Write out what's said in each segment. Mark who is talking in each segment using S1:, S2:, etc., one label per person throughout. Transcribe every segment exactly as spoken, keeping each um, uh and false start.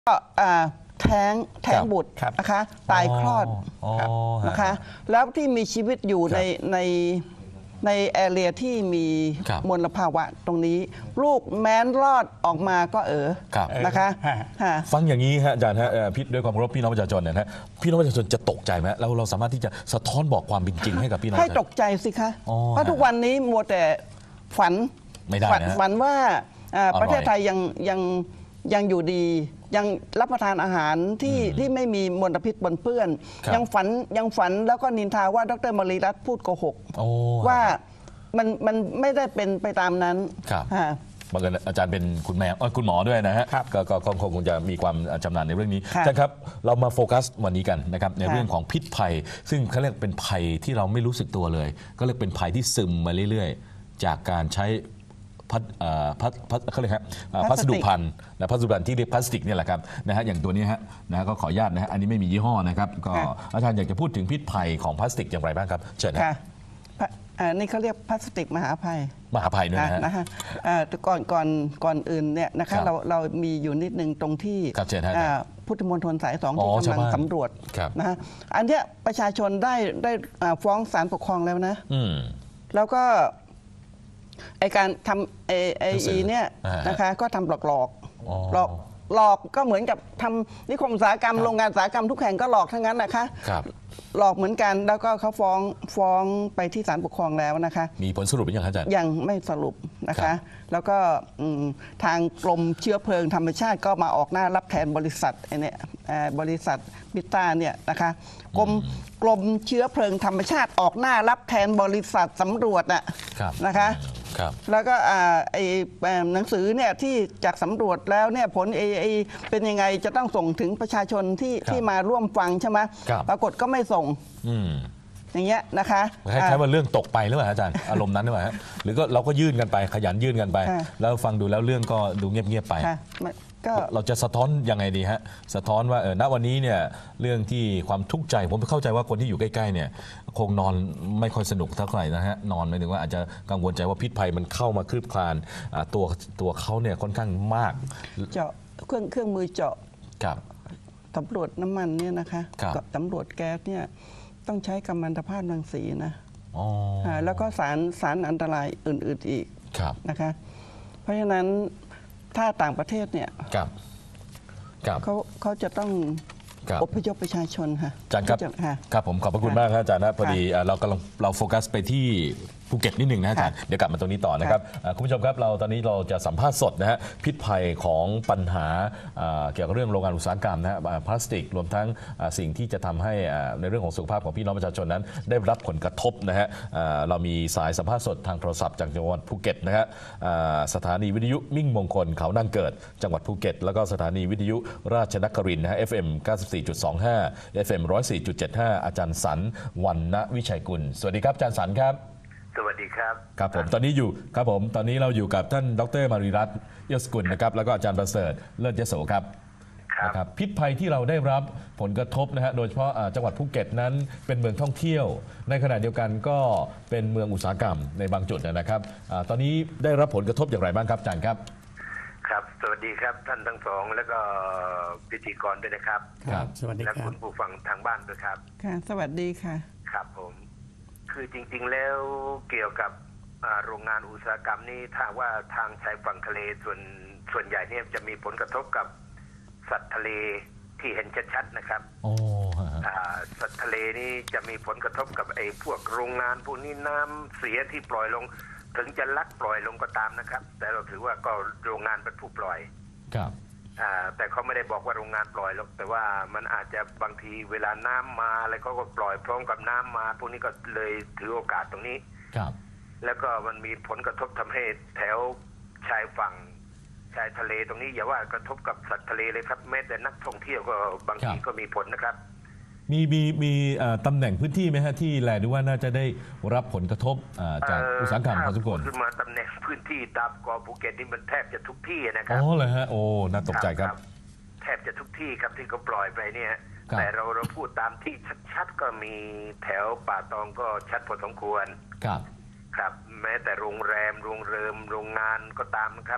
S1: ก็แท้งแท้งบุตรนะคะตายคลอดนะคะแล้วที่มีชีวิตอยู่ในในในแอเรียที่มีมลภาวะตรงนี้ลูกแม้นรอดออกมาก็เออนะคะ
S2: ฟังอย่างนี้ฮะอาจารย์ฮะพี่ด้วยความเคารพพี่น้องประชาชนเนี่ยนะพี่น้องประชาชนจะตกใจไหมแล้วเราสามารถที่จะสะท้อนบอกความเป็นจริงให้กับพี่น้อง
S1: ให้ตกใจสิคะเพราะทุกวันนี้มัวแต่ฝัน
S2: ไม่ได้นะ
S1: ฝันว่าประเทศไทยยังยังยังอยู่ดียังรับประทานอาหารที่ที่ไม่มีมลพิษปนเปื้อนยังฝันยังฝันแล้วก็นินทาว่าดร.มรีรัตน์พูดโกหกว่ามันมันไม่ได้เป็นไปตามนั้น
S2: บางทีอาจารย์เป็นคุณแม่คุณหมอด้วยนะฮะก็คงคงจะมีความชำนาญในเรื่องนี้อาจารย์ครับเรามาโฟกัสวันนี้กันนะครับในเรื่องของพิษภัยซึ่งเขาเรียกเป็นภัยที่เราไม่รู้สึกตัวเลยก็เรียกเป็นภัยที่ซึมมาเรื่อยๆจากการใช้พัดพัดพัดเขาเรียกครับพัสดุภัณฑ์และพัสดุภัณฑ์ที่เรียกพลาสติกเนี่ยแหละครับนะฮะอย่างตัวนี้ฮะนะก็ขออนุญาตนะฮะอันนี้ไม่มียี่ห้อนะครับก็อาจารย์อยากจะพูดถึงพิษภัยของพลาสติกอย่างไรบ้างครับเชิญนะ
S1: นี่เขาเรียกพลาสติกมหาภัย
S2: มหาภัยด้วย
S1: นะฮะก่อนก่อนก่อนอื่นเนี่ยนะคะเราเรามีอยู่นิดนึงตรงที่พุทธมณฑลสายสองที่กำลังสำรวจนะฮะอันนี้ประชาชนได้ได้ฟ้องศาลปกครองแล้วนะแล้วก็ไอการทำไอไออีเนี่ยนะคะก็ทำหลอกหลอกหลอกหลอกก็เหมือนกับทำนิคมอุตสาหกรรมโรงงานอุตสาหกรรมทุกแห่งก็หลอกทั้งนั้นนะคะหลอกเหมือนกันแล้วก็เขาฟ้องฟ้องไปที่ศาลปกครองแล้วนะคะ
S2: มีผลสรุปหรือยังอาจารย์
S1: ยังไม่สรุปนะคะแล้วก็ทางกรมเชื้อเพลิงธรรมชาติก็มาออกหน้ารับแทนบริษัทไอเนี่ยบริษัทบิต้าเนี่ยนะคะกรมกรมเชื้อเพลิงธรรมชาติออกหน้ารับแทนบริษัทสำรวจน่ะนะคะแล้วก็ไอ้หนังสือเนี่ยที่จากสำรวจแล้วเนี่ยผลไอ้เป็นยังไงจะต้องส่งถึงประชาชนที่ที่มาร่วมฟังใช่ไหมปรากฏก็ไม่ส่งอย่างเงี้ยนะคะ
S2: คล้ายๆว่าเรื่องตกไปหรือเปล่าอาจารย์อารมณ์นั้นหรือเปล่าหรือก็เราก็ยื่นกันไปขยันยื่นกันไปแล้วฟังดูแล้วเรื่องก็ดูเงียบๆไปเราจะสะท้อนยังไงดีฮะสะท้อนว่าเออณวันนี้เนี่ยเรื่องที่ความทุกข์ใจผมเข้าใจว่าคนที่อยู่ใกล้ๆเนี่ยคงนอนไม่ค่อยสนุกเท่าไหร่นะฮะนอนหมายถึงว่าอาจจะกังวลใจว่าพิษภัยมันเข้ามาคลืบคลานตัวตัวเขาเนี่ยค่อนข้างมาก
S1: เจาะเครื่องเครื่องมือเจาะตำรวจน้ำมันเนี่ยนะคะกับตำรวจแก๊สเนี่ยต้องใช้กัมมันตภาพรังสีนะแล้วก็สารสารอันตรายอื่นๆอีกนะคะเพราะฉะนั้นถ้าต่างประเทศเนี่ยเขาเขาจะต้องอพยพประชาชนค่ะ
S2: อาจารย์ครับครับผมขอบพระคุณมากครับอาจารย์นะพอดีเรากำลังเราโฟกัสไปที่ภูเก็ตนิดหนึ่งนะอาจารย์เดี๋ยวกลับมาตรงนี้ต่อนะครับคุณผู้ชมครับเราตอนนี้เราจะสัมภาษณ์สดนะฮะพิษภัยของปัญหาเกี่ยวกับเรื่องโรงงานอุตสาหกรรมนะฮะพลาสติกรวมทั้งสิ่งที่จะทำให้ในเรื่องของสุขภาพของพี่น้องประชาชนนั้นได้รับผลกระทบนะฮะเรามีสายสัมภาษณ์สดทางโทรศัพท์จากจังหวัดภูเก็ตนะฮะสถานีวิทยุมิ่งมงคลเขานางเกิดจังหวัดภูเก็ตแล้วก็สถานีวิทยุราชนครินทร์นะฮะ เอฟ เอ็ม เก้าสิบสี่จุดสองห้า เอฟ เอ็ม หนึ่งร้อยสี่จุดเจ็ดห้า อาจารย์สันวรรณวิชัยกุลสวัสดีครับอาจารย์สันครับ
S3: สวัสดีครับ
S2: ครับผมตอนนี้อยู่ครับผมตอนนี้เราอยู่กับท่านดร.มารีรัตน์ยศกุลนะครับแล้วก็อาจารย์ประเสริฐเลิศยโสครับนะครับพิษภัยที่เราได้รับผลกระทบนะฮะโดยเฉพาะจังหวัดภูเก็ตนั้นเป็นเมืองท่องเที่ยวในขณะเดียวกันก็เป็นเมืองอุตสาหกรรมในบางจุดนะครับตอนนี้ได้รับผลกระทบอย่างไรบ้างครับอาจารย์ครับ
S3: ครับสวัสดีครับท่านทั้งสองแล้วก็พิธีกรด้วยนะครับ
S2: ครับสวัสดี
S3: ครับและคุณผู้ฟังทางบ้านด้วยครับ
S1: ค่ะสวัสดีค่ะ
S3: ครับผมคือจริงๆแล้วเกี่ยวกับโรงงานอุตสาหกรรมนี้ถ้าว่าทางชายฝั่งทะเลส่วนส่วนใหญ่เนี่ยจะมีผลกระทบกับสัตว์ทะเลที่เห็นชัดๆนะครับสัตว์ทะเลนี่จะมีผลกระทบกับไอ้พวกโรงงานพวกนี้น้ำเสียที่ปล่อยลงถึงจะลักปล่อยลงก็ตามนะครับแต่เราถือว่าก็โรงงานเป็นผู้ปล่อย
S2: ครับ
S3: แต่เขาไม่ได้บอกว่าโรงงานปล่อยหรอกแต่ว่ามันอาจจะบางทีเวลาน้ำมาอะไรเขาก็ปล่อยพร้อมกับน้ำมาพวกนี้ก็เลยถือโอกาสตรงนี้
S2: ครับ
S3: แล้วก็มันมีผลกระทบทำให้แถวชายฝั่งชายทะเลตรงนี้อย่าว่ากระทบกับสัตว์ทะเลเลยครับแม้แต่นักท่องเที่ยวก็บางทีก็มีผลนะครับ
S2: มีมีมีตำแหน่งพื้นที่ไหมฮะที่แลดูว่าน่าจะได้รับผลกระทบจากอุตสาหกรรมพอสมควร
S3: ขึ้นมาตำแหน่งพื้นที่ตามเกาะภูเก็ตนี่มันแทบจะทุกที่นะครับ
S2: อ๋อเลยฮะโอ้น่าตกใจครับ
S3: แทบจะทุกที่ครับที่เขาปล่อยไปเนี่ยแต่เราเราพูดตามที่ชัดๆก็มีแถวป่าตองก็ชัดพอสมควร
S2: ครับ
S3: ครับแม้แต่โรงแรมโรงเริมโรงงานก็ตามครับ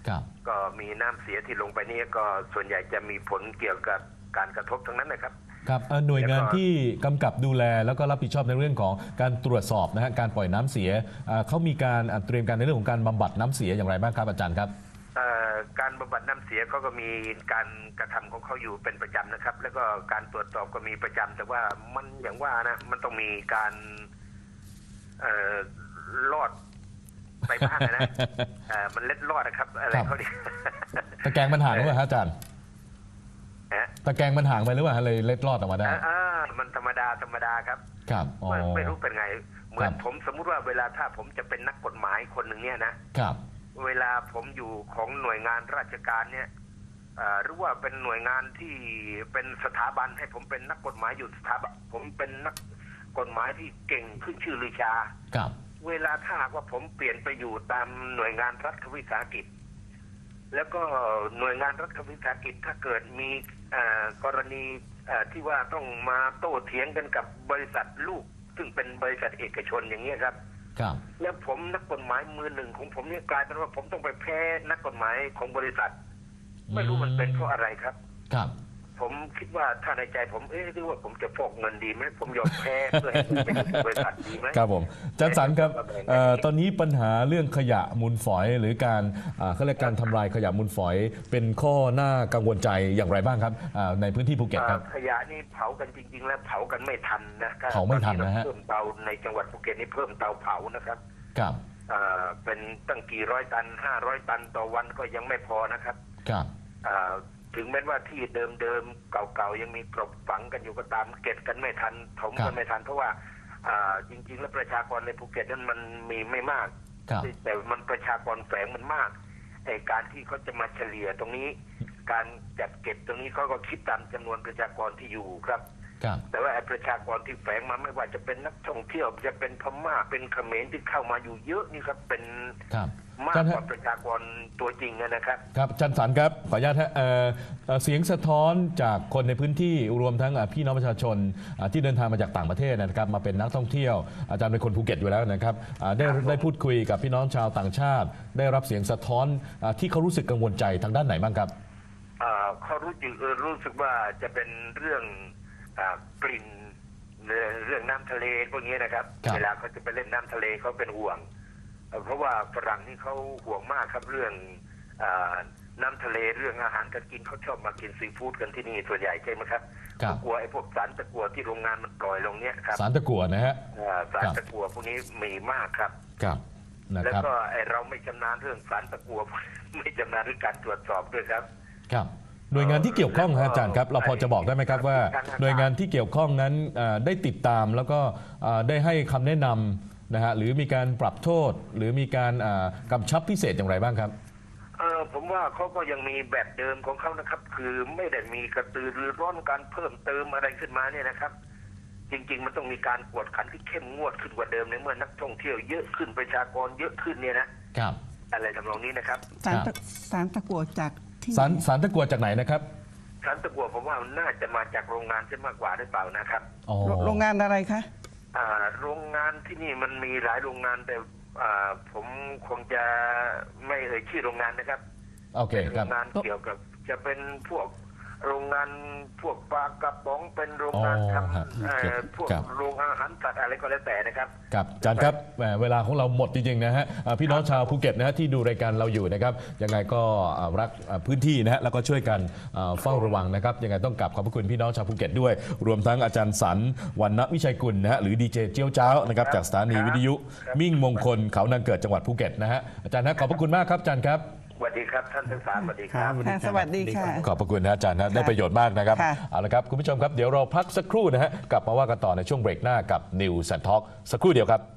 S3: ก็มีน้ำเสียที่ลงไปนี่ก็ส่วนใหญ่จะมีผลเกี่ยวกับการกระทบทั้งนั้นนะครับ
S2: ครับหน่วยงานที่กำกับดูแลแล้วก็รับผิดชอบในเรื่องของการตรวจสอบนะฮะการปล่อยน้ำเสียเขามีการเตรียมการในเรื่องของการบำบัดน้ำเสียอย่างไรบ้างครับอาจารย์ครับ
S3: การบำบัดน้ำเสียเขาก็มีการกระทำของเขาอยู่เป็นประจำนะครับแล้วก็การตรวจสอบก็มีประจำแต่ว่ามันอย่างว่านะมันต้องมีการลอดไปบ้างนะมันเล็ดลอดนะครับอะไรเขาดิ
S2: ตะแกรงมันห่างหรือเปล่าอาจารย์ตะแกรงมันห่างไปหรือเปล่าเลยเล็ดลอดออกมาได้
S3: อ่ามันธรรมดาธรรมดาครับ
S2: ครับ
S3: ไม่รู้เป็นไงเหมือนผมสมมุติว่าเวลาถ้าผมจะเป็นนักกฎหมายคนหนึ่งเนี่ยนะครับเวลาผมอยู่ของหน่วยงานราชการเนี่ยหรือว่าเป็นหน่วยงานที่เป็นสถาบันให้ผมเป็นนักกฎหมายอยู่สถาบันผมเป็นนักกฎหมายที่เก่งขึ้นชื่อลือชา
S2: ครับ
S3: เวลาถ้าว่าผมเปลี่ยนไปอยู่ตามหน่วยงานรัฐวิสาหกิจแล้วก็หน่วยงานรัฐวิสาหกิจถ้าเกิดมีกรณีที่ว่าต้องมาโต้เถียงกันกับบริษัทลูกซึ่งเป็นบริษัทเอกชนอย่างนี้ครับ
S2: ครับ
S3: แล้วผมนักกฎหมายมือหนึ่งของผมนี่กลายเป็นว่าผมต้องไปแพ้นักกฎหมายของบริษัทไม่รู้มันเป็นเพราะอะไรครับ
S2: ครับ
S3: ผมคิดว่าถ้าในใจผมเอ๊ะหรือว่าผมจะฟอกเงินดีไหมผมยอมแพ้เพื่อให้เป็นบริษัทดีไหม
S2: ครับผมอาจารย์สันครับตอนนี้ปัญหาเรื่องขยะมูลฝอยหรือการเขาเรียกการทำลายขยะมูลฝอยเป็นข้อหน้ากังวลใจอย่างไรบ้างครับในพื้นที่ภูเก็ตครับ
S3: ขยะนี่เผากันจริงๆแล้วเผากันไม่ทันนะ
S2: เผาไม่ทันนะฮะ
S3: เพิ่มเตาในจังหวัดภูเก็ตนี่เพิ่มเตาเผานะครับ
S2: ครับ
S3: เป็นตั้งกี่ร้อยตันห้าร้อยตันต่อวันก็ยังไม่พอนะครับ
S2: ครับ
S3: ถึงแม้ว่าที่เดิมๆเก่าๆยังมีกลบฝังกันอยู่ก็ตามเก็บกันไม่ทันถมกันไม่ทันเพราะว่าจริงๆแล้วประชากรในภูเก็ตนั้นมันมีไม่มากแต่มันประชากรแฝงมันมากไอ้การที่เขาจะมาเฉลี่ยตรงนี้การจัดเก็บตรงนี้เขาก็คิดตามจำนวนประชากรที่อยู่ครับแต่ว่าไอ้ประชากรที่แฝงมาไม่ว่าจะเป็นนักท่องเที่ยวจะเป็นพม่าเป็นเขมรที่เข้ามาอยู่เยอะนี่ครับเป็นมากกว่าประชากรตัวจริงนะครับ
S2: ครับอาจารย์สันครับขออนุญาตฮะเสียงสะท้อนจากคนในพื้นที่รวมทั้งพี่น้องประชาชนที่เดินทางมาจากต่างประเทศนะครับมาเป็นนักท่องเที่ยวอาจารย์เป็นคนภูเก็ตอยู่แล้วนะครับได้ได้พูดคุยกับพี่น้องชาวต่างชาติได้รับเสียงสะท้อนที่เขารู้สึกกังวลใจทางด้านไหนบ้างครับ
S3: เขารู้สึกรู้สึกว่าจะเป็นเรื่องกลิ่นเรื่องน้ำทะเลพวกนี้นะครับเวลาเขาจะไปเล่นน้ำทะเลเขาเป็นห่วงเพราะว่าฝรั่งนี่เขาห่วงมากครับเรื่องน้ำทะเลเรื่องอาหารการกินเขาชอบมากินซีฟู้ดกันที่นี่ส่วนใหญ่ใช่ไหมครับกลัวไอ้พวกสารตะกั่วที่โรงงานมันปล่อยลงเนี้ยครับ
S2: สารตะกั่วนะฮะ
S3: สารตะกั่วพวกนี้มีมากครับ
S2: ครับ
S3: แล้วก็ไอ้เราไม่ชำนาญเรื่องสารตะกั่วไม่ชำนาญเรื่องการตรวจสอบด้วยครับ
S2: ครับหน่วยงานที่เกี่ยวข้องครับอาจารย์ครับเราพอจะบอกได้ไหมครับว่าหน่วยงานที่เกี่ยวข้องนั้นได้ติดตามแล้วก็ได้ให้คำแนะนำนะฮะหรือมีการปรับโทษหรือมีการกำชับพิเศษอย่างไรบ้างครับ
S3: เออผมว่าเขาก็ยังมีแบบเดิมของเขานะครับคือไม่ได้มีกระตือรือร้นการเพิ่มเติมอะไรขึ้นมาเนี่ยนะครับจริงๆมันต้องมีการกวดขันที่เข้มงวดขึ้นกว่าเดิมในเมื่อนักท่องเที่ยวเยอะขึ้นประชากรเยอะขึ้นเนี่ยนะครับอะไรทำนองนี้นะครับ
S1: สารสารตะกั่วจาก
S2: สารสารตะกั่วจากไหนนะครับ
S3: สารตะกั่วผมว่าน่าจะมาจากโรงงานใช่มากกว่าหรือเปล่านะครับ
S1: โรงงานอะไรคะ
S3: โรงงานที่นี่มันมีหลายโรงงานแต่ผมคงจะไม่เอ่ยชื่อโรงงานนะครับ
S2: โอเคครับ
S3: โรงงานเกี่ยวกับจะเป็นพวกโรงงานพวกปลากระป๋องเป็นโรงงานทำพวกโรงอาหารสัตว์อะไรก็แล้วแต่นะครับ
S2: ครับอาจารย์ครับเวลาของเราหมดจริงๆนะฮะพี่น้องชาวภูเก็ตนะฮะที่ดูรายการเราอยู่นะครับยังไงก็รักพื้นที่นะฮะแล้วก็ช่วยกันเฝ้าระวังนะครับยังไงต้องกลับขอบพระคุณพี่น้องชาวภูเก็ตด้วยรวมทั้งอาจารย์สันวรรณวิชัยกุลนะฮะหรือดีเจเจียวเจ้านะครับจากสถานีวิทยุมิ่งมงคลเขานางเกิดจังหวัดภูเก็ตนะฮะอาจารย์นะขอบพระคุณมากครับอาจารย์ครับ
S3: สวัสดีครับท่านทั้งสามสวัสดีครับ
S1: สวัสดีค่ะ
S2: ขอบพระคุณนะอาจารย์นะได้ประโยชน์มากนะครับเอาละครับคุณผู้ชมครับเดี๋ยวเราพักสักครู่นะฮะกลับมาว่ากันต่อในช่วงเบรกหน้ากับ News and Talk สักครู่เดียวครับ